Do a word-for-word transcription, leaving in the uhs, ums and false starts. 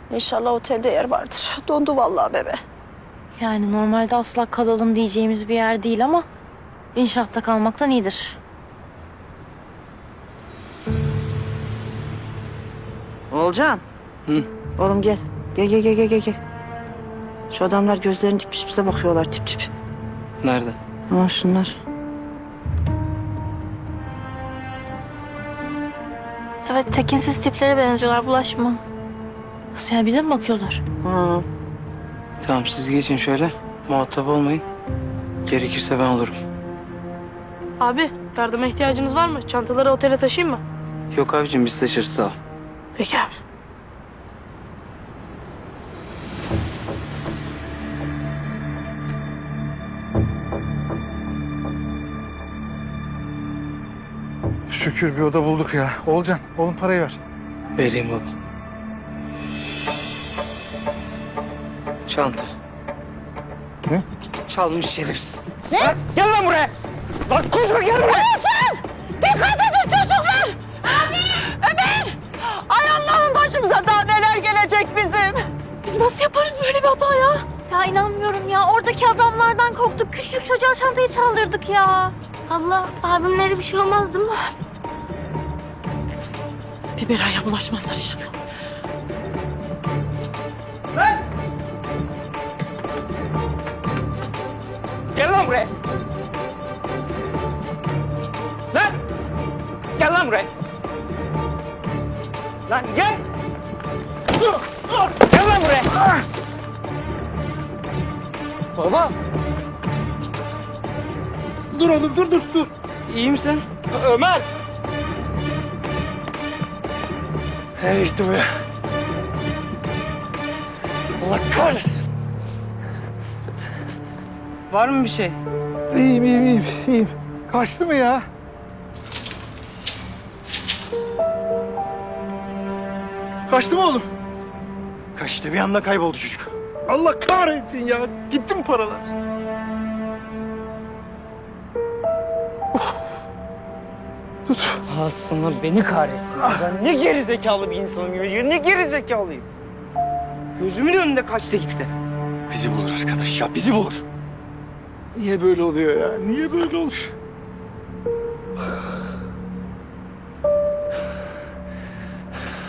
İnşallah otelde yer vardır. Dondu vallahi bebe. Yani normalde asla kalalım diyeceğimiz bir yer değil ama inşaatta kalmaktan iyidir. Olcan. Hı? Oğlum gel. Gel gel gel gel gel. Şu adamlar gözlerini dikmiş bize bakıyorlar tip tip. Nerede? Ha şunlar. Evet, tekinsiz tiplere benziyorlar, bulaşma. Nasıl yani, bize mi bakıyorlar? Ha. Tamam, siz geçin şöyle. Muhatap olmayın. Gerekirse ben olurum. Abi yardıma ihtiyacınız var mı? Çantaları otele taşıyayım mı? Yok abicim, biz taşırız, sağ ol. Peki abi. Şükür bir oda bulduk ya. Olcan, oğlum parayı ver. Vereyim baba. Çanta. Ne? Çalmış şerefsiz. Gel lan buraya! Lan koşma gel buraya! Dikkat edin çocuklar! Abi! Ömer! Ay Allah'ım, başımıza daha neler gelecek bizim? Biz nasıl yaparız böyle bir hata ya? Ya inanmıyorum ya. Oradaki adamlardan korktuk. Küçük çocuğa çantayı çaldırdık ya. Abla, abimlere bir şey olmaz değil mi? Bir belaya bulaşmazlar inşallah. Gel lan buraya! Lan! Gel lan buraya! Lan gel! Dur! Dur! Gel lan buraya! Baba! Dur oğlum, dur dur dur! İyi misin? Ömer! Nereye gitti bu ya? Allah kahretsin! Var mı bir şey? İyiyim, iyiyim, iyiyim, iyiyim. Kaçtı mı ya? Kaçtı mı oğlum? Kaçtı, bir anda kayboldu çocuk. Allah kahretsin ya. Gitti mi paralar? Tut. Aslında beni kahretsin. Ben ne geri zekalı bir insanım ya. Ne geri zekalıyım. Gözümün önünde kaçtı gitti. Bizi bulur arkadaş ya, bizi bulur. Niye böyle oluyor ya? Niye böyle oluyor?